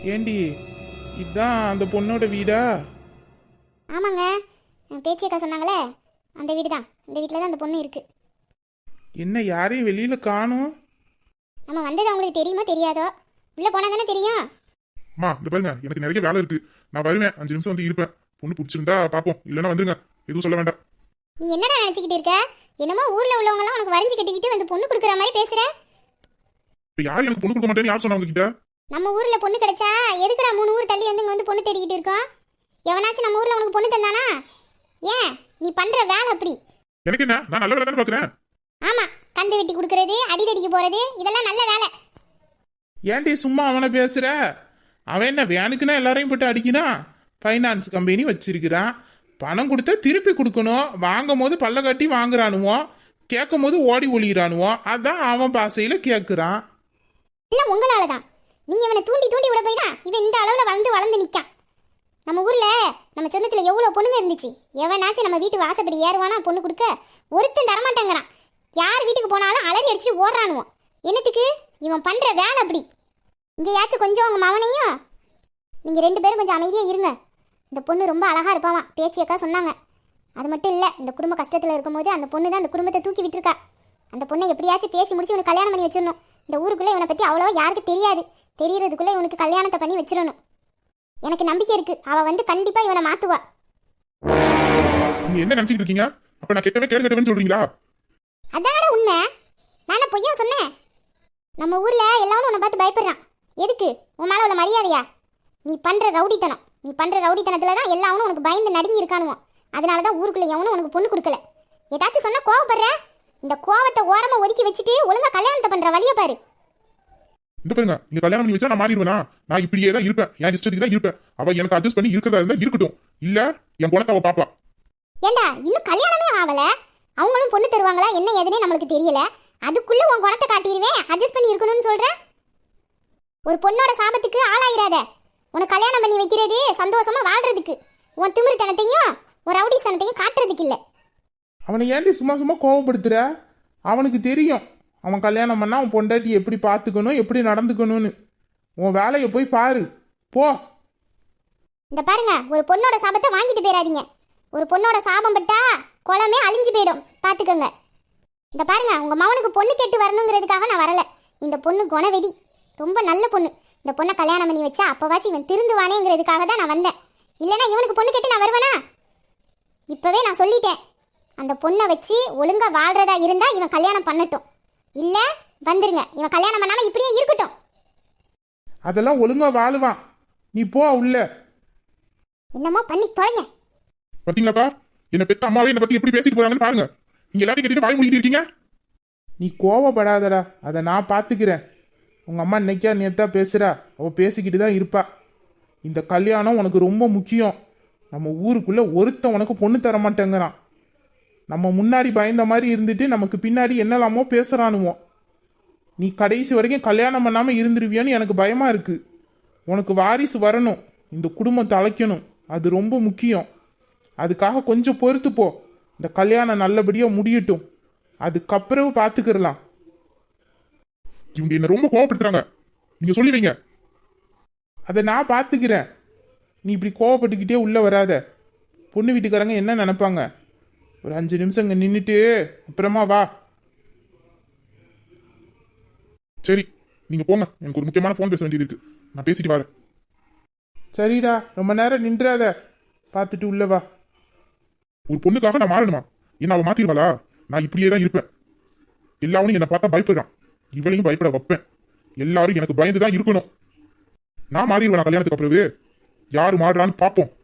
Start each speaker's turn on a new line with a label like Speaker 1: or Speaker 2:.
Speaker 1: ஏண்டி இதுதான் அந்த பொண்ணோட வீடா?
Speaker 2: ஆமாங்க, பேச்சியக்கா சொன்னாங்களே அந்த வீடு தான். இந்த வீட்டில் தான் அந்த பொண்ணு இருக்கு.
Speaker 1: என்ன யாரையும் வெளியில காணும்?
Speaker 2: நம்ம வந்தது அவங்களுக்கு தெரியுமோ தெரியாதோ? உள்ள போனா தானே தெரியும்.
Speaker 3: அம்மா இந்த பாருங்க, எனக்கு நிறைய வேலை இருக்கு. நான் வருவேன், 5 நிமிஷம் வந்து இருப்பேன். பொண்ணு பிடிச்சிருந்தா பாப்போம், இல்லைன்னா வந்துருங்க. எதுவும் சொல்ல வேண்டாம்.
Speaker 2: நீ என்னடா நினைச்சுக்கிட்டு இருக்க? என்னமோ ஊர்ல உள்ளவங்க எல்லாம் உனக்கு வரைஞ்சு கட்டிக்கிட்டு வந்து பொண்ணு கொடுக்குற மாதிரி பேசுற.
Speaker 3: இப்ப யார் எனக்கு பொண்ணு கொடுக்க மாட்டேன்னு யார் சொன்னவங்க கிட்ட?
Speaker 2: நம்ம ஊர்ல பொண்ணு கிடைச்சா எதுக்குடா 3 ஊர் தள்ளி வந்து இங்க வந்து பொண்ணு தேடிக்கிட்டு இருக்கோம்? எவனாச்சும் நம்ம ஊர்ல உனக்கு பொண்ணு தந்தானா? ஏன் நீ பண்ற வேலை அப்படி.
Speaker 3: எனக்கு என்ன, நான் நல்ல வேலை தானே பாக்குறேன்.
Speaker 2: ஆமா, கந்து வெட்டி கொடுக்கறது, அடிதடிக்கு போறது, இதெல்லாம் நல்ல வேலை.
Speaker 1: ஏன்டி சும்மா அவனை பேசுற? அவன் என்ன வேனுக்குன்னா எல்லாரையும் போட்டு அடிக்கிறான்? ஃபைனான்ஸ் கம்பெனி வச்சிருக்கிறான். பணம் கொடுத்தா திருப்பி கொடுக்கணும். வாங்கும் போது பல்ல கட்டி வாங்குறானுவோம், கேட்கும் போது ஓடி ஒளிகிறானுவோம். அதான் அவன் பாசையில கேட்குறான்.
Speaker 2: இல்ல உங்களால தான். நீங்க இவனை தூண்டி தூண்டி விட போய் தான் இவன் இந்த அளவுல வளர்ந்து நிக்கான். நம்ம ஊர்ல நம்ம சொந்தத்துல எவ்வளவு பொண்ணுங்க இருந்துச்சு. எவனாச்சும் நம்ம வீட்டு வாசப்படி ஏறுவானா பொண்ணு கொடுக்க? ஒருத்தன் தரமாட்டேங்கிறான். யார் வீட்டுக்கு போனாலும் அலறி அடிச்சு ஓடுறானுவோம். என்னத்துக்கு? இவன் பண்ற வேலை அப்படி. இங்கேயாச்சும் கொஞ்சம் உங்க மவனையும் நீங்க 2 பேரும் கொஞ்சம் அமைதியா இருங்க. இந்த பொண்ணு ரொம்ப அழகா இருப்பாவான், பேச்சியக்கா சொன்னாங்க. அது மட்டும் இல்ல, இந்த குடும்ப கஷ்டத்துல இருக்கும்போது அந்த பொண்ணு தான் அந்த குடும்பத்தை தூக்கி விட்டுருக்கா. அந்த பொண்ணை எப்படியாச்சும் பேசி முடிச்சு இவனுக்கு கல்யாணம் பண்ணி வச்சிடணும். இந்த ஊருக்குள்ள இவனை பத்தி அவ்வளவா யாருக்கு தெரியாது. தெரியறதுக்குள்ள இவனுக்கு கல்யாணத்தை பண்ணி வச்சிடணும். எனக்கு நம்பிக்கை இருக்கு, அவ வந்து கண்டிப்பா இவனை மாத்துவா.
Speaker 3: நீங்க என்ன நினைச்சிட்டு இருக்கீங்க? அப்ப நான் கெட்டவே கேடு கெட்டவேன்னு சொல்றீங்களா?
Speaker 2: அதான உண்மை. நானே பொய்யா சொன்னேன்? நம்ம ஊர்ல எல்லாரும் உன்னை பார்த்து பயப்படுறான். எதுக்கு? உன் மேல உள்ள மரியாதையா? நீ பண்ற ரவுடித்தனத்துல தான் எல்லாரும் உனக்கு பயந்து நடுங்கி இருக்கானுவோம். அதனாலதான் ஊருக்குள்ள எவனும் உனக்கு பொண்ணு கொடுக்கல. ஏதாச்சும் சொன்னா கோவப்படுற? இந்த கோவத்தை ஓரமா ஒதுக்கி வச்சுட்டு ஒழுங்கா கல்யாணத்தை பண்ற வழிய பாரு.
Speaker 3: இந்த பாருங்க, நீங்க கல்யாணம் பண்ணி வச்சா நான் மாறிடுவேனா? நான் இப்படியே தான் இருப்பேன், என் இஷ்டத்துக்கு தான் இருப்பேன். அவ எனக்கு அட்ஜஸ்ட் பண்ணி இருக்கிறதா இருந்தா இருக்கட்டும், இல்ல என் குணத்தை அவ பாப்பா.
Speaker 2: ஏண்டா இன்னும் கல்யாணமே ஆகல, அவங்களும் பொண்ணு தருவாங்களா என்ன ஏதுனே நம்மளுக்கு தெரியல. அதுக்குள்ள உன் குணத்தை காட்டிடுவேன், அட்ஜஸ்ட் பண்ணி இருக்கணும்னு சொல்ற. ஒரு பொண்ணோட சாபத்துக்கு ஆளாயிராத. உனக்கு கல்யாணம் பண்ணி வைக்கிறது சந்தோஷமா வாழ்றதுக்கு, உன் திமிருத்தனத்தையும் ஒரு ரவுடித்தனத்தையும் காட்டுறதுக்கு இல்ல.
Speaker 1: அவனை ஏன்டி சும்மா சும்மா கோவப்படுத்துற? அவனுக்கு தெரியும் அவன் கல்யாணம் பண்ணா அவன் பொண்டாட்டி எப்படி பார்த்துக்கணும், எப்படி நடந்துக்கணும்னு. உன் வேலையை போய் பாரு போ.
Speaker 2: இந்த பாருங்க, ஒரு பொண்ணோட சாபத்தை வாங்கிட்டு போயிடாதீங்க. ஒரு பொண்ணோட சாபம் பட்டா குளமே அழிஞ்சு போயிடும், பாத்துக்கோங்க. இந்த பாருங்க, உங்க மவனுக்கு பொண்ணு கேட்டு வரணுங்கிறதுக்காக நான் வரல. இந்த பொண்ணு குணவெதி, ரொம்ப நல்ல பொண்ணு. இந்த பொண்ணை கல்யாணம் பண்ணி வச்சா அப்பவாச்சும் இவன் திருந்துவானேங்கிறதுக்காக தான் நான் வந்தேன். இல்லைன்னா இவனுக்கு பொண்ணு கேட்டு நான் வருவேனா? இப்பவே நான் சொல்லிட்டேன், அந்த பொண்ணை வச்சு ஒழுங்கா வாழ்றதா இருந்தா இவன் கல்யாணம் பண்ணட்டும், இல்ல வந்துருங்க. இவன் கல்யாணம் பண்ணாம இப்படியே இருக்கட்டும்.
Speaker 1: அதெல்லாம் ஒழுங்கா வாழுவான், நீ போ உள்ள.
Speaker 2: என்னமோ பண்ணி தொலைங்க.
Speaker 3: பாத்தீங்களாப்பா, என்ன பெத்த அம்மாவே என்ன பத்தி எப்படி பேசிட்டு போறாங்கன்னு பாருங்க. நீங்க எல்லாத்தையும் கேட்டுட்டு வாய் மூடிட்டு இருக்கீங்க.
Speaker 1: நீ கோவப்படாதடா, அதை நான் பார்த்துக்கிறேன். உங்கள் அம்மா இன்னைக்கா நேத்தா பேசுகிறா, அவள் பேசிக்கிட்டு தான் இருப்பா. இந்த கல்யாணம் உனக்கு ரொம்ப முக்கியம். நம்ம ஊருக்குள்ளே ஒருத்தன் உனக்கு பொண்ணு தர மாட்டேங்கிறான். நம்ம முன்னாடி பயந்த மாதிரி இருந்துட்டு நமக்கு பின்னாடி என்னலாமோ பேசுகிறானுவோம். நீ கடைசி வரைக்கும் கல்யாணம் பண்ணாமல் இருந்துருவியான்னு எனக்கு பயமாக இருக்குது. உனக்கு வாரிசு வரணும், இந்த குடும்பம் தலைக்கணும், அது ரொம்ப முக்கியம். அதுக்காக கொஞ்சம் பொறுத்து போ. இந்த கல்யாணம் நல்லபடியாக முடியட்டும், அதுக்கப்புறம் பார்த்துக்கிடலாம்.
Speaker 3: இவங்க என்ன ரொம்ப கோவப்படுத்துறாங்க, நீங்க சொல்லி வைங்க.
Speaker 1: அதை நான் பார்த்துக்கிறேன். நீ இப்படி கோவப்பட்டுக்கிட்டே உள்ளே வராத. பொண்ணு வீட்டுக்காரங்க என்ன நினைப்பாங்க? ஒரு 5 நிமிஷம் இங்கே நின்றுட்டு அப்புறமா வா.
Speaker 3: சரி நீங்க போங்க, எனக்கு ஒரு முக்கியமான போன் பேச வேண்டியது இருக்கு, நான் பேசிட்டு வரேன்.
Speaker 1: சரிடா, ரொம்ப நேரம் நின்றாத, பார்த்துட்டு உள்ள வா.
Speaker 3: ஒரு பொண்ணுக்காக நான் மாறணுமா? என்ன அவ மாத்திருவாளா? நான் இப்படியே தான் இருப்பேன். எல்லாரும் என்னை பார்த்தா பயப்படுறான், இவளையும் பயப்பட வைப்பேன். எல்லாரும் எனக்கு பயந்துதான் இருக்கணும். நான் மாறிடுவேன் கல்யாணத்துக்கு அப்புறவே. யாரு மாறுறான்னு பார்ப்போம்.